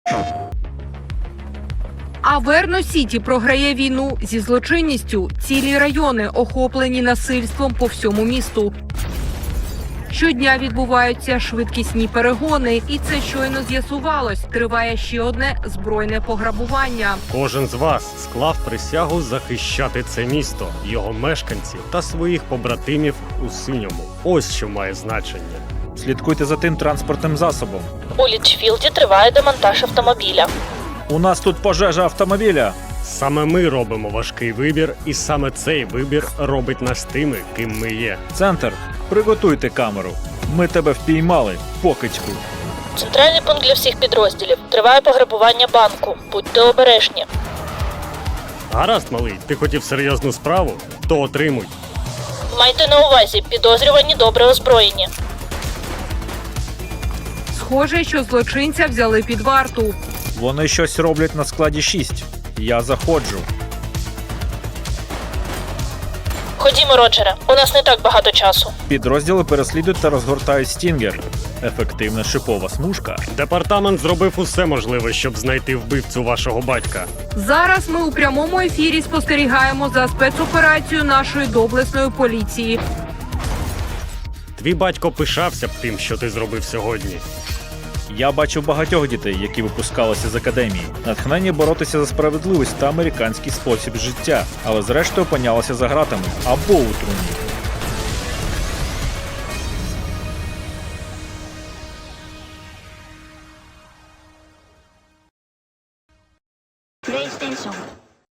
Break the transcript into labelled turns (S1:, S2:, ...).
S1: А Верно-Сіті програє війну зі злочинністю. Цілі райони охоплені насильством по всьому місту. Щодня відбуваються швидкісні перегони, і це щойно з'ясувалось. Триває ще одне збройне пограбування.
S2: Кожен з вас склав присягу захищати це місто, його мешканців та своїх побратимів у синьому. Ось що має значення.
S3: Слідкуйте за тим транспортним засобом.
S4: У Лічфілді триває демонтаж автомобіля.
S3: У нас тут пожежа автомобіля.
S2: Саме ми робимо важкий вибір, і саме цей вибір робить нас тими, ким ми є.
S3: Центр, приготуйте камеру. Ми тебе впіймали, покидьку.
S4: Центральний пункт для всіх підрозділів. Триває пограбування банку. Будьте обережні.
S2: Гаразд, малий, ти хотів серйозну справу? То отримуй.
S4: Майте на увазі, підозрювані добре озброєні.
S1: Схоже, що злочинця взяли під варту.
S3: Вони щось роблять на складі 6. Я заходжу.
S4: Ходімо, Роджере, у нас не так багато часу.
S3: Підрозділи переслідують та розгортають стінгер. Ефективна шипова смужка.
S2: Департамент зробив усе можливе, щоб знайти вбивцю вашого батька.
S1: Зараз ми у прямому ефірі спостерігаємо за спецоперацією нашої доблесної поліції.
S2: Твій батько пишався б тим, що ти зробив сьогодні.
S3: Я бачив багатьох дітей, які випускалися з академії. Натхнення боротися за справедливість та американський спосіб життя, але зрештою опинялися за ґратами або у труні.